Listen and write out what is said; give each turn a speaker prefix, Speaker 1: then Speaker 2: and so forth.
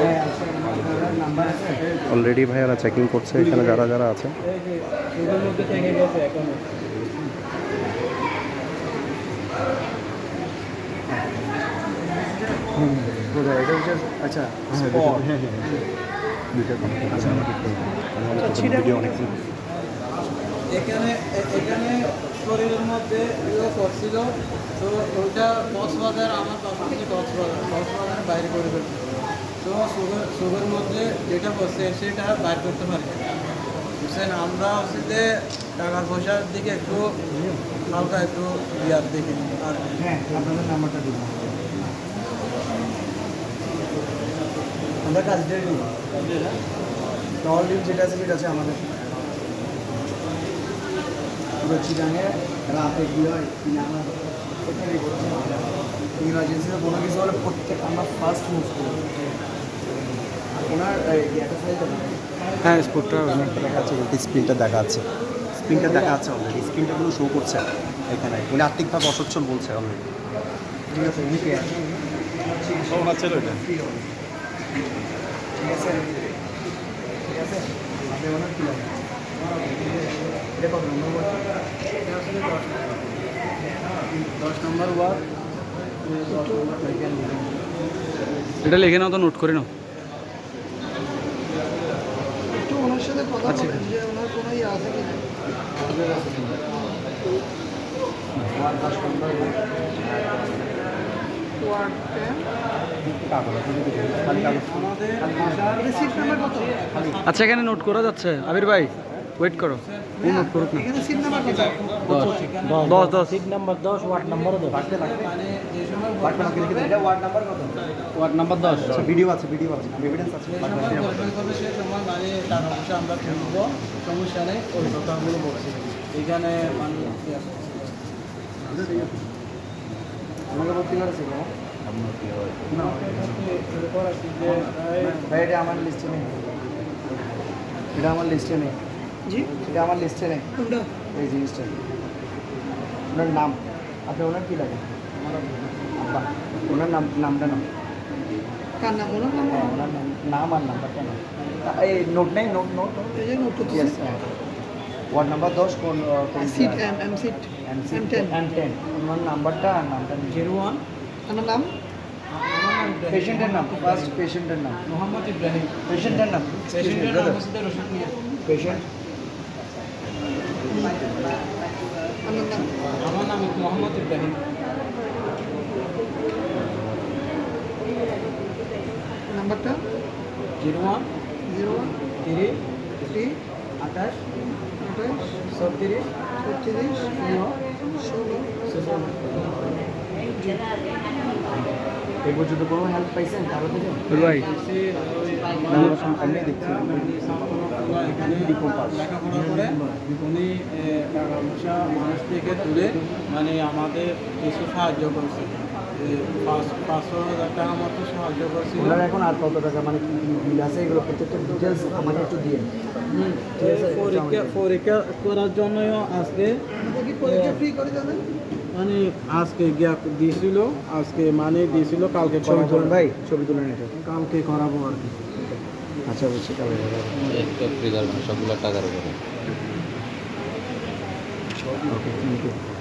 Speaker 1: Already ভাইয়ারা checking করছে এখানে যারা যারা আছে।
Speaker 2: আচ্ছা এখানে এখানে শরীরের মধ্যে ইয়ে করছিল, তো ওইটা কক্সবাজার আমার তখন থেকে কক্সবাজার বাইরে করে ফেলছে। তো সুগার মধ্যে যেটা করছে সেটা বাইর করতে পারি বুঝছেন। আমরা হচ্ছে যে টাকা পয়সার দিকে একটু হালকা একটু ইয়ার দেখি। আর হ্যাঁ, আপনাদের নাম্বারটা দিব, আমরা কাজটা নিই। টল ডিম যেটা আছে সেটা আছে আমাদের চিটাঙে রাতে কী হয় আমরা ওখানেই করছি। ইমার্জেন্সিতে কোনো কিছু হলে প্রত্যেক আমরা ফার্স্ট মুভ করি। ওনার একটা সাইজ
Speaker 1: হ্যাঁ স্পোর্টটা
Speaker 2: দেখা যাচ্ছে, স্ক্রিনটা দেখা যাচ্ছে, স্ক্রিনটা দেখা যাচ্ছে অলরেডি, স্ক্রিনটাগুলো শো করছে এখানে। উনি আর্থিকভাবে অসচ্ছল বলছে অলরেডি। ঠিক আছে, উনি কে আছে? ঠিক আছে, ঠিক আছে। আপনি ওনার কী লাগে? এটা কত নম্বর? 10 নম্বর ওয়ার্ড।
Speaker 1: এটা লিখে নাও তো, নোট করে নাও।
Speaker 2: একটু ওনার সাথে কথা বলেন যে ওনার কোনো ইয়ে আছে কি না। Ward 10 number ward 10।
Speaker 1: আচ্ছা এখানে নোট করা যাচ্ছে। আবির ভাই ওয়েট করো, ও নোট করুক না।
Speaker 2: এখানে সিট নাম্বার কত?
Speaker 1: 10
Speaker 3: সিট নাম্বার 10, ওয়ার্ড নাম্বারও 10।
Speaker 2: ওয়ার্ড নাম্বার কত?
Speaker 3: Ward number 10।
Speaker 2: আচ্ছা, ভিডিও আছে, ভিডিও আছে, এভিডেন্স আছে। আমরা তুলবো, সমস্যা নেই। ওই কথাগুলো বলছি এখানে আমাকে ভর্তি করেছে ভাই? এটা আমার লিস্টে নেই, এটা আমার লিস্টে নেই। জি, এটা আমার লিস্টে নেই। এই জিনিসটা ওনার নাম, আপনি ওনার কী লাগে? আব্বা, ওনার নামটা নাম কার নাম? ওনার নাম, ওনার নাম আর নাম্বারটা নাম। এই নোট নেই, নোট এই যে নোট করতে। ওয়ার্ড নাম্বার 10 কোন সিট? M seat M10। ওনার নাম্বারটা আর নামটা 01। আমার নাম, পেশেন্টের নাম, ফার্স্ট পেশেন্টের নাম মোহাম্মদ ইব্রাহিম। পেশেন্টের নাম, পেশেন্টের নাম হচ্ছে রশিদ মিয়া। পেশেন্ট আমার নাম মোহাম্মদ ইব্রাহিম। নাম্বারটা 01 3 28 36 এই পর্যন্ত কোনো হেল্প পাইছেন কারো থেকে?
Speaker 1: ভাই
Speaker 2: এমনি দেখছি লেখাপড়া করে উনি টাকা পয়সা মানুষ থেকে তুলে মানে আমাদের কিছু সাহায্য করছে। 500,000 টাকা মতো সাহায্য করছে। ওনারা এখন আর কত টাকা মানে কি বিল আছে এগুলো প্রত্যেকটা ডিটেলস আমাকে একটু দিয়ে। পরীক্ষা করার জন্যও আজকে পরীক্ষা ফ্রি করে দেবেন মানে আজকে গিয়া দিয়েছিল, আজকে মানে দিয়েছিল, কালকে ছবি তুলেন ভাই, ছবি তুলেন, এটা কালকে করাবো আর কি। আচ্ছা বুঝছি, কালকে
Speaker 3: একটা ফ্রি করবেন সবগুলো টাকার উপরে।
Speaker 2: Okay, thank you.